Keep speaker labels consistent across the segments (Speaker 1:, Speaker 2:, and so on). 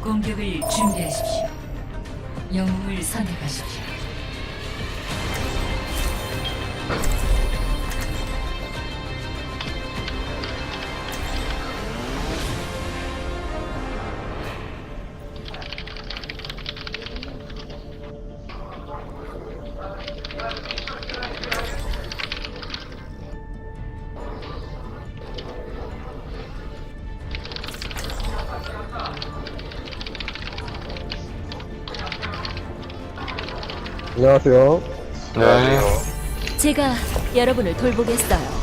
Speaker 1: 공격을 준비하십시오. 영웅을 선택하십시오.
Speaker 2: 안녕하세요.
Speaker 3: 안녕하세요.
Speaker 4: 제가 여러분을 돌보겠어요.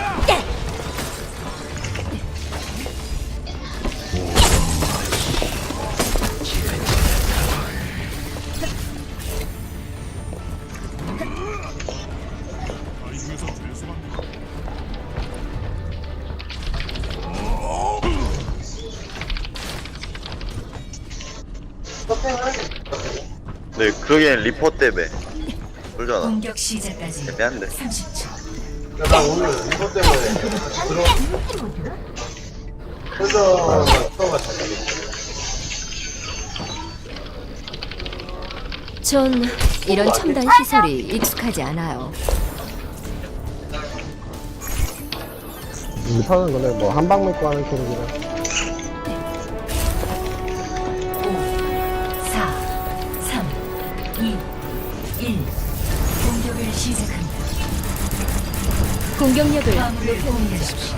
Speaker 3: 네, 그러기엔 리포 때문에 그러잖아.
Speaker 1: 공격 시작까지
Speaker 3: 애매한데.
Speaker 1: 30초.
Speaker 2: 나 오늘 이것 때문에 그래서 처음 왔어.
Speaker 4: 전 이런 첨단 시설이 익숙하지 않아요.
Speaker 2: 못하는 거네. 뭐 한방 먹고 하는 캐릭이라.
Speaker 1: 5, 4, 3, 2, 1. 공격을 시작합니다.
Speaker 4: 공격력을
Speaker 1: 화물을 공유하십시오.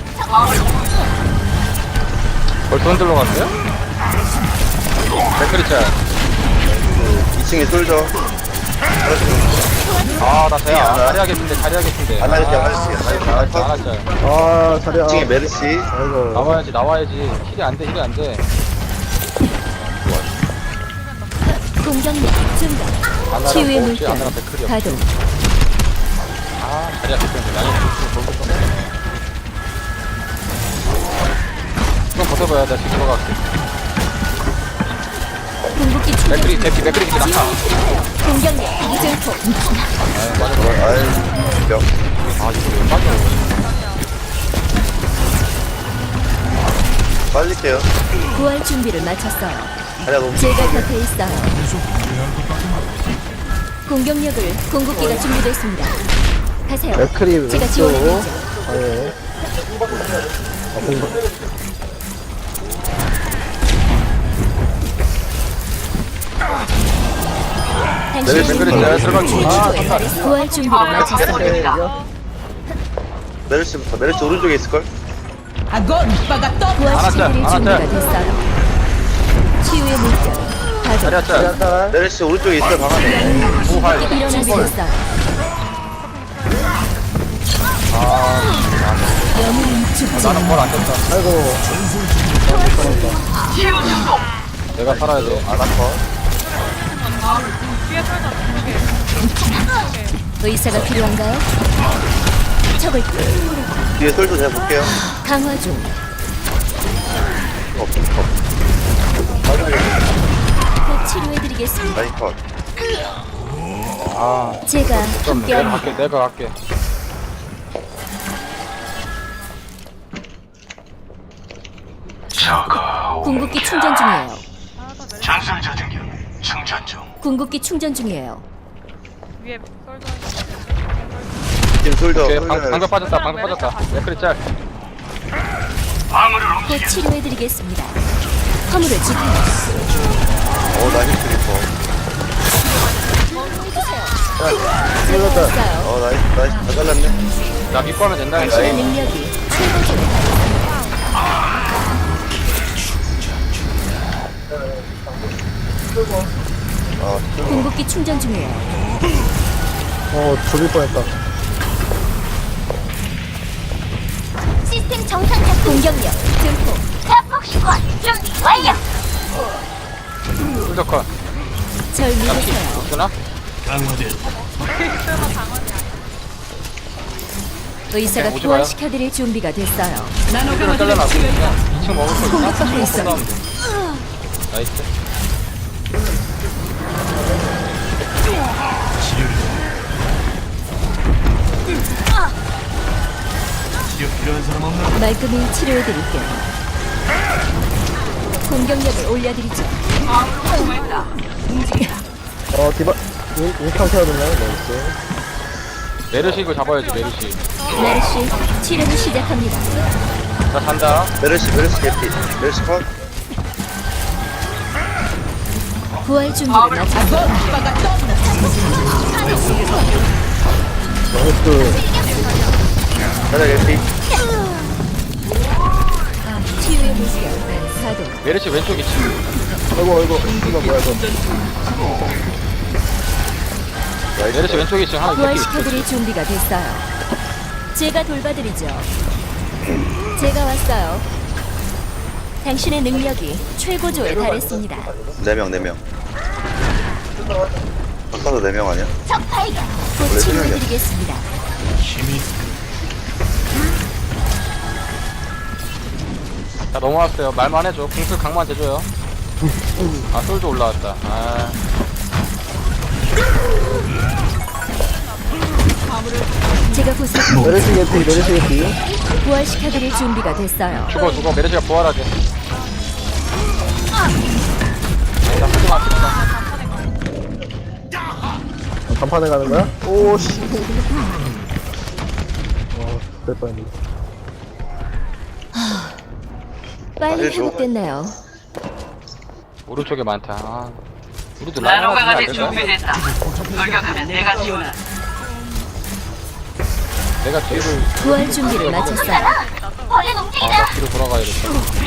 Speaker 5: 벌써 흔들러 갔어요? 백크리 짤.
Speaker 3: 2층에 솔져.
Speaker 5: 아, 나 돼야. 자리하겠는데.
Speaker 3: 안 하겠지, 안 하겠지.
Speaker 5: 안 하자.
Speaker 2: 아, 자리야.
Speaker 3: 2층에 메르시.
Speaker 2: 아이고.
Speaker 5: 나와야지. 힐이 안 돼.
Speaker 4: 공격력 증가.
Speaker 5: 아나랑
Speaker 4: 치유의
Speaker 5: 혹시
Speaker 4: 물결
Speaker 5: 아나랑 백크리
Speaker 4: 가동.
Speaker 5: 아, 자리야 됐는데. 나중에 볼거 좀. 좀 버텨봐야 돼. 지금 들어갈게.
Speaker 4: 궁극기 충전 중.
Speaker 5: 맥크리 낙하.
Speaker 4: 공격력 증폭.
Speaker 3: 아이, 명.
Speaker 5: 아, 이거 왜 빠져?
Speaker 3: 빠질게요.
Speaker 4: 구할 준비를 마쳤어요.
Speaker 3: 자리야, 너무.
Speaker 4: 제가 곁에 있어요. 공격력을 공격기가 준비됐습니다. 가세요.
Speaker 2: 맥크리
Speaker 4: 제가
Speaker 2: 왼쪽.
Speaker 4: 지원해드리죠.
Speaker 2: 아예. 아, 공격.
Speaker 5: 맥크리 짤 들어갈게.
Speaker 4: 구할 준비를 마쳤어요.
Speaker 3: 메르시부터. 메르시 오른쪽에 있을걸?
Speaker 4: 구하시키드릴 준비가 됐어요. 치유의 물결 가동.
Speaker 5: 자리야 짤.
Speaker 2: 짤.
Speaker 3: 메르시 오른쪽에 있어요, 방 안에.
Speaker 5: 오할.
Speaker 4: 일어나 주겠어요. 영웅은 죽지
Speaker 5: 나는 뭘 안 됐다.
Speaker 2: 아이고.
Speaker 5: 내가 살아야 돼.
Speaker 3: 아나컷.
Speaker 4: 의사가 필요한가요? 적을
Speaker 3: 뒤에 솔져 제가 볼게요.
Speaker 4: 강화 중.
Speaker 3: 컵.
Speaker 4: 곧 치료해드리겠습니다.
Speaker 3: 라인 컷.
Speaker 5: 아,
Speaker 4: 제가 함께합니다.
Speaker 5: 내가 갈게.
Speaker 4: 궁극기 충전 중이에요.
Speaker 6: 전술 저등력 충전 중.
Speaker 4: 궁극기 충전 중이에요.
Speaker 7: 위에 썰도
Speaker 3: 지금 솔져.
Speaker 5: 오케이,
Speaker 3: 솔져.
Speaker 5: 방금 빠졌다. 맥크리 짤.
Speaker 6: 방어를
Speaker 4: 곧
Speaker 6: 옮기려.
Speaker 4: 치료해드리겠습니다. 화물을 지켜요.
Speaker 3: 나 힐트리퍼.
Speaker 4: 제가 있어요.
Speaker 3: 나이스. 다 잘랐네.
Speaker 5: 나 믿고 하면 된다.
Speaker 4: 당신의 능력이 최고조에 궁극기 충전 중이에요.
Speaker 2: 죽일 뻔했다.
Speaker 4: 시스템 정상 작동. 공격력 증폭.
Speaker 6: 자폭 시권 준비 완료.
Speaker 5: ful적컷.
Speaker 4: 절 믿으세요.
Speaker 5: 없구나?
Speaker 4: 의사가
Speaker 5: 오지 마요.
Speaker 4: 부활시켜드릴 준비가 됐어요.
Speaker 5: 이걸 잘라놔. 2층 먹을 거 있나?
Speaker 4: 공격받고 있어요.
Speaker 5: 나이스.
Speaker 6: 치료 필요한 사람 없나?
Speaker 4: 말끔히 치료해드릴게요. 공격력을 올려드리죠.
Speaker 2: 디바, 인카운트 해야 되나요? 네, 이렇게.
Speaker 5: 메르시 이거 잡아야지 메르시.
Speaker 4: 메르시 치료를 시작합니다.
Speaker 5: 나 간다.
Speaker 3: 메르시 개피. 메르시 컷.
Speaker 4: 부활 준비를 마쳤습니다.
Speaker 2: 나이스.
Speaker 3: 자리야 개피.
Speaker 4: 치유의 물결 가동.
Speaker 5: 메르시 왼쪽 2층.
Speaker 2: 아이고, 이거 뭐야, 이거.
Speaker 5: 메르시 왼쪽 2층 하나 개피.
Speaker 4: 부활시켜드릴 준비가 됐어요. 제가 돌봐드리죠. 제가 왔어요. 당신의 능력이 최고조에 달했습니다.
Speaker 3: 4명. 아까도 4명 아니야?
Speaker 4: 곧 치료해드리겠습니다.
Speaker 5: 자 넘어왔어요. 말만 해줘. 궁수 강만 대줘요. 아 솔도 올라왔다. 아
Speaker 4: 제가 곧
Speaker 2: 메르시 개피.
Speaker 4: 부활시켜드릴 준비가 됐어요.
Speaker 5: 죽어 메르시가 부활하게. 자 하지마 하지마.
Speaker 2: 간판에 가는 거야? 오, 씨. 될 뻔했네.
Speaker 4: 빨리
Speaker 3: 해줘.
Speaker 4: 회복됐나요?
Speaker 5: 오른쪽에 많다. 아, 우리도 라인 하나 주면 안 될까?
Speaker 6: 준비됐다. 돌격하면 내가 지원한다.
Speaker 5: 내가 뒤를
Speaker 4: 부활 준비를 마쳤어요.
Speaker 5: 나 뒤로 돌아가야겠다.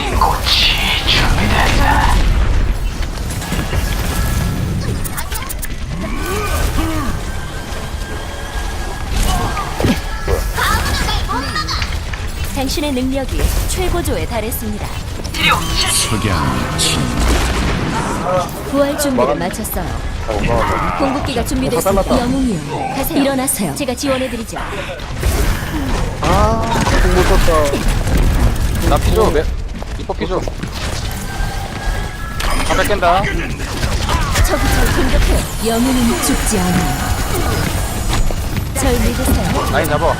Speaker 4: 당신의 능력이 최고조에 달했습니다. 부활 준비를 마쳤어요. 공급기가 준비됐습니다.
Speaker 2: 잘랐다.
Speaker 4: 영웅이요. 가세요. 일어나세요. 제가 지원해드리죠.
Speaker 2: 공 못 썼다.
Speaker 5: 나 피줘. 이뻐 피줘. 다 뺏긴다.
Speaker 4: 저기 절 공격해요. 영웅은 죽지 않아요. 절 믿으세요.
Speaker 5: 라인 잡아.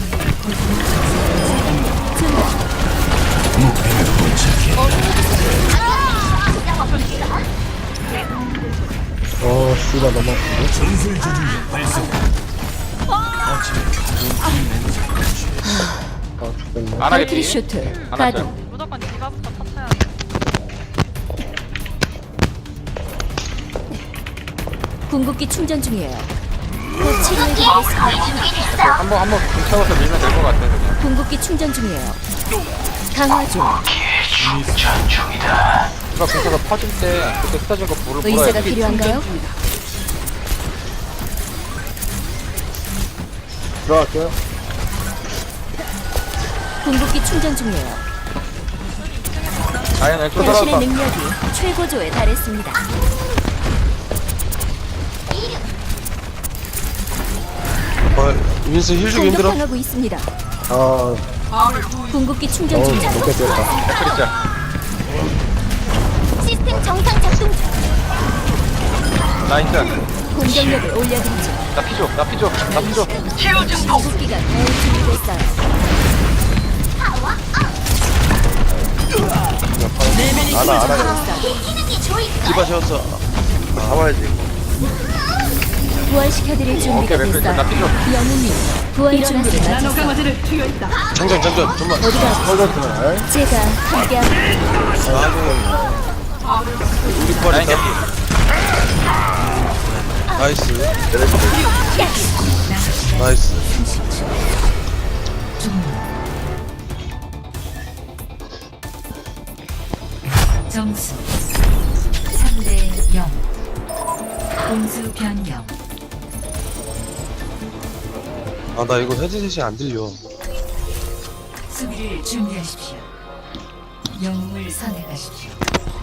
Speaker 2: 씨가 너무 아픈데? 죽겠네.
Speaker 5: 안
Speaker 4: 발키리
Speaker 5: 하겠지.
Speaker 4: 슈트
Speaker 5: 안
Speaker 4: 가동.
Speaker 5: 하죠.
Speaker 7: 무조건 디바부터 터쳐야 돼.
Speaker 4: 궁극기 충전 중이에요. 곧 치료해드리겠습니다.
Speaker 5: 한번 붙여서 밀면 될 것 같아 그냥.
Speaker 4: 궁극기 충전 중이에요. 강화 중.
Speaker 5: 누가 붙여서 퍼질 때 그때 흩어진 거 불을
Speaker 4: 의사가
Speaker 5: 불어야지.
Speaker 4: 필요한가요?
Speaker 2: 들어갈게요.
Speaker 4: 궁극기 충전 중이에요.
Speaker 5: 라인 왼쪽
Speaker 4: 당신의
Speaker 5: 돌아왔다.
Speaker 4: 능력이 최고조에 달했습니다.
Speaker 3: 윈스 힐 주기 힘들어.
Speaker 4: 공격당하고 있습니다.
Speaker 2: 아,
Speaker 4: 궁극기 충전 중이에요.
Speaker 2: 좋게 됐다.
Speaker 5: 백크리자.
Speaker 4: 시스템 정상 작동 중.
Speaker 5: 라인 짠.
Speaker 4: 공격력을 올려드리죠.
Speaker 5: 나 피줘.
Speaker 4: 궁극기가 잘 준비됐어요.
Speaker 3: 알아. 디바 세웠어. 잡아야지.
Speaker 4: 부활시켜드릴 준비가
Speaker 5: 오케이, 맥클
Speaker 4: 됐어요.
Speaker 5: 나 피줘.
Speaker 4: 영웅님, 부활 준비를 마쳤어요.
Speaker 3: 장전. 좀만.
Speaker 2: 헐졌어.
Speaker 4: 제가 함께합니다.
Speaker 3: 우리 부활
Speaker 5: 라인
Speaker 3: 있다.
Speaker 5: 개피.
Speaker 3: 나이스.
Speaker 1: 점수 3대 0. 공수 변경.
Speaker 3: 아, 나 이거 헤드셋이 안 들려.
Speaker 1: 수비를 준비하십시오. 영웅을 선택하십시오.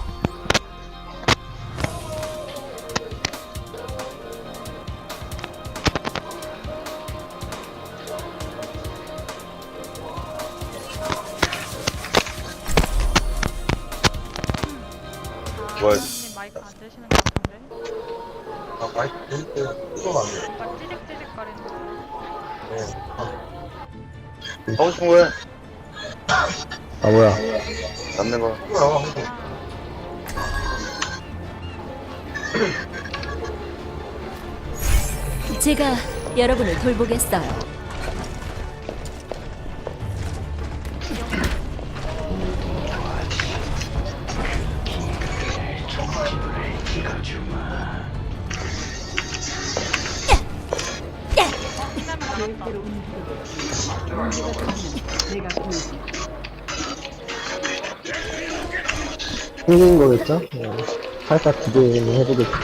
Speaker 3: 뭐야?
Speaker 7: 님 마이크 안 되시는 것 같은데?
Speaker 3: 아, 마이크 끄면 안 돼.
Speaker 7: 막 찌직찌직 거리는 거.
Speaker 3: 하고 싶은 거야?
Speaker 2: 아, 뭐야.
Speaker 3: 남는 거.
Speaker 4: 제가 여러분을 돌보겠어요.
Speaker 2: 생긴 거겠죠? 살짝 기대는 해보겠습니다.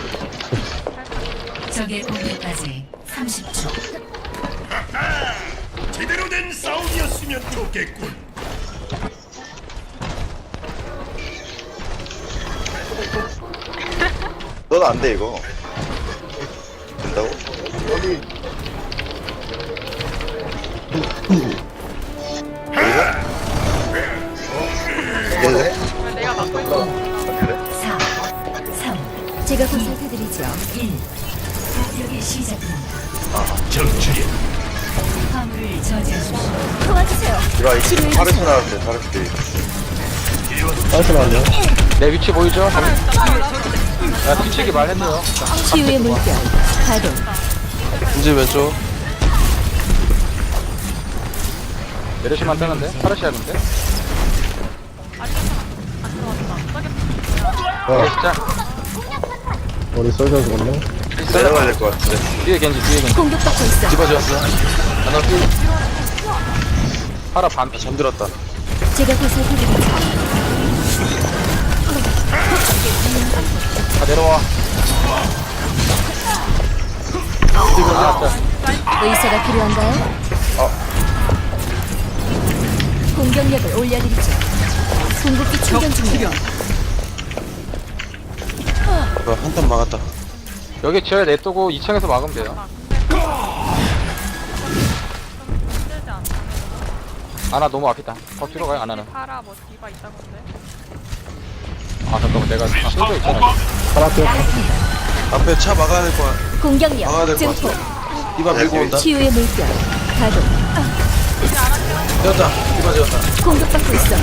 Speaker 1: 적의 공격까지 30초.
Speaker 6: 제대로 된 싸움이었으면 좋겠군.
Speaker 3: 넌 안 돼, 이거. 된다고? 어디? 네?
Speaker 7: 왜 내가 맡고 있어?
Speaker 1: 4, 3,
Speaker 4: 제가 보살펴드리죠.
Speaker 1: 1. 공격이 시작됩니다.
Speaker 6: 정출이
Speaker 1: 화물을 저지하십시오.
Speaker 4: 도와주세요.
Speaker 3: 이봐,
Speaker 4: 치료해
Speaker 3: 이거 파르스
Speaker 4: 주세요.
Speaker 3: 나왔대, 파르스.
Speaker 2: 잠시만요.
Speaker 5: 내 위치 보이죠? 야 뒤치기 말해줘요.
Speaker 4: 치유의 물결 가동.
Speaker 3: 이제 왼쪽.
Speaker 5: 메르시만 뜨는데? 파르시아인데?
Speaker 2: 와,
Speaker 5: 시작.
Speaker 2: 우리 쏠져 죽었네.
Speaker 3: 내려가야 될 것 같은데.
Speaker 5: 뒤에 겐지 뒤에 겐지.
Speaker 4: 공격받고 있어.
Speaker 3: 디바 지웠어. 하나 피.
Speaker 5: 파라 반피.
Speaker 3: 잠들었다.
Speaker 4: 제가 보살펴드리죠.
Speaker 5: 다 내려와.
Speaker 4: 의사가 필요한가요? 공격력을 올려드리죠. 궁극기 충전 중이에요.
Speaker 3: 한탄 막았다.
Speaker 5: 여기 지어야 냅두고 2층에서 막으면 돼요.
Speaker 7: 힘들지 않나?
Speaker 5: 아나 너무 앞이다. 더 뒤로 가요 아나는.
Speaker 7: 파라 뭐 디바 있다던데?
Speaker 5: 아 잠깐만 내가 쏠져 있잖아.
Speaker 2: 파랗게
Speaker 3: 앞에 차 막아야 될 거야. 막아야
Speaker 4: 공격력
Speaker 3: 될 것
Speaker 4: 증폭.
Speaker 3: 같아. 디바 밀고 온다.
Speaker 4: 치유의 물결 가동.
Speaker 3: 지웠다. 디바 지웠다.
Speaker 4: 공격받고 있어.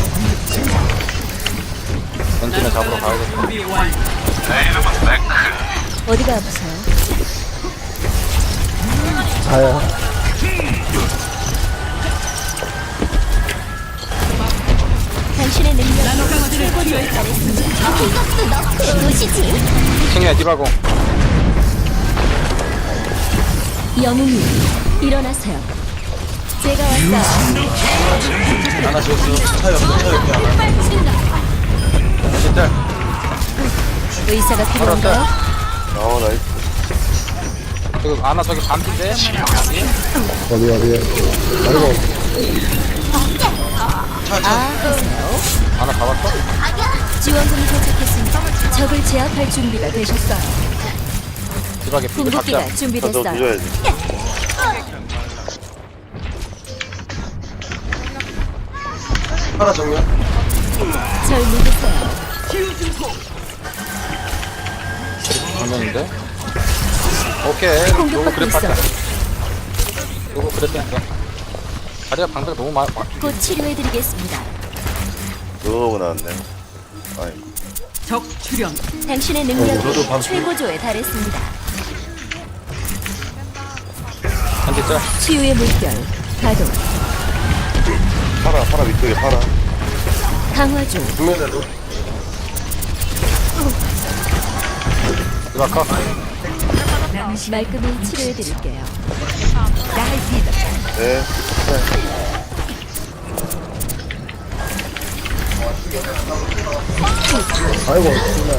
Speaker 5: 겐지는 잡으러 가야겠다.
Speaker 6: 준비 완.
Speaker 4: 어디가 아프세요?
Speaker 2: 가요.
Speaker 4: 당신의 능력이 최고조에 달했습니다. 이것도 너프의 도시지.
Speaker 5: 2층에 디바공.
Speaker 4: 영웅이 일어나세요. 제가 왔어요.
Speaker 3: 하나 지웠어. 차 옆에 하나.
Speaker 5: 진짜.
Speaker 4: 의사가 필요한가요?
Speaker 3: 나이스.
Speaker 5: 지금 아나 저기 반피인데?
Speaker 2: 어디. 아이고,
Speaker 4: 하세요.
Speaker 5: 아나 잡았어?
Speaker 4: 지원금이 도착했습니다. 적을 제압할 준비가 되셨어요.
Speaker 5: 디바게 피고 잡자.
Speaker 4: 궁극기가 준비됐어요.
Speaker 3: 부셔야지. 하나 정면.
Speaker 4: 절 믿으세요.
Speaker 5: 정면인데? 오케이. 요거
Speaker 4: 공격받고
Speaker 5: 그래
Speaker 4: 있어.
Speaker 5: 봤다. 요거 그래 뺐어. 다리가 방패가 너무 많아.
Speaker 4: 곧 치료해드리겠습니다.
Speaker 3: 너무 나왔네. 아이.
Speaker 6: 적 출현.
Speaker 4: 당신의
Speaker 3: 저도
Speaker 4: 능력이
Speaker 3: 방금-
Speaker 4: 최고조에 달했습니다.
Speaker 5: 한대짜.
Speaker 4: 치유의 물결 가동.
Speaker 3: 파라 위쪽에 파라.
Speaker 4: 강화 중.
Speaker 3: 정면에도.
Speaker 5: 디바 컷.
Speaker 4: 말끔히 치료해드릴게요.
Speaker 3: 네.
Speaker 2: 아이고, 정말.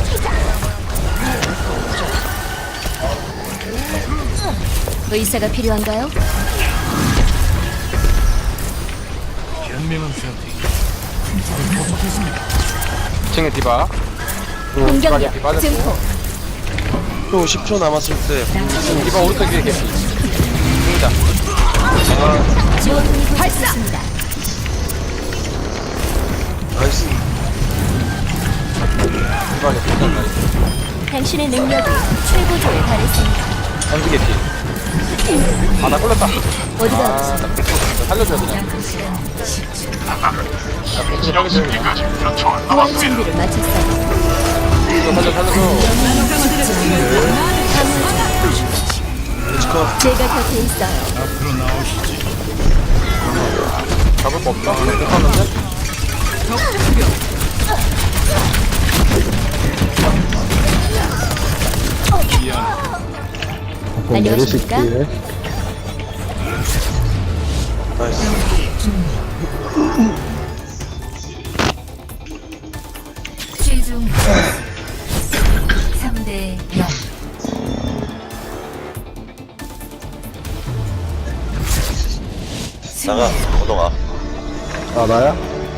Speaker 4: 의사가 필요한가요?
Speaker 6: 현명한 선택.
Speaker 5: 2층에 디바.
Speaker 4: 공격력
Speaker 5: 디바 빠졌고.
Speaker 4: 증폭.
Speaker 3: 또 10초 남았을 때.
Speaker 5: 디바 오른쪽 위에 개피. 승자.
Speaker 4: 지원금이 도착했습니다.
Speaker 3: 나이스.
Speaker 5: 디바게 승자 나이스.
Speaker 4: 당신의 능력이 최고조에 달했습니다.
Speaker 5: 한두 개피. 아나 걸렸다.
Speaker 4: 어디가
Speaker 5: 아,
Speaker 4: 아프세요?
Speaker 5: 나 살려줘야 그냥. 나
Speaker 4: 구할 준비를 마쳤어요.
Speaker 5: 살려줘.
Speaker 6: 나노강화제를
Speaker 4: 제가 곁에 있어요.
Speaker 6: 앞으로 나오시지.
Speaker 5: 잡을 거 없어? 못 봤는데?
Speaker 6: 적 출현.
Speaker 4: 안녕하십니까?
Speaker 3: 나이스.
Speaker 1: 최종 3대 0.
Speaker 3: 나가, 호동아.
Speaker 2: 아, 나야?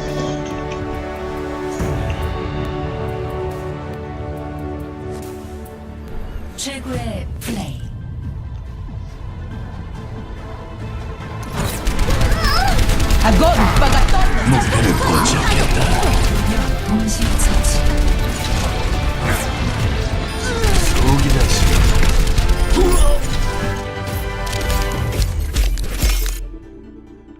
Speaker 1: 최고의 플레이.
Speaker 6: 목표를 포착했다.
Speaker 1: 동시 처치.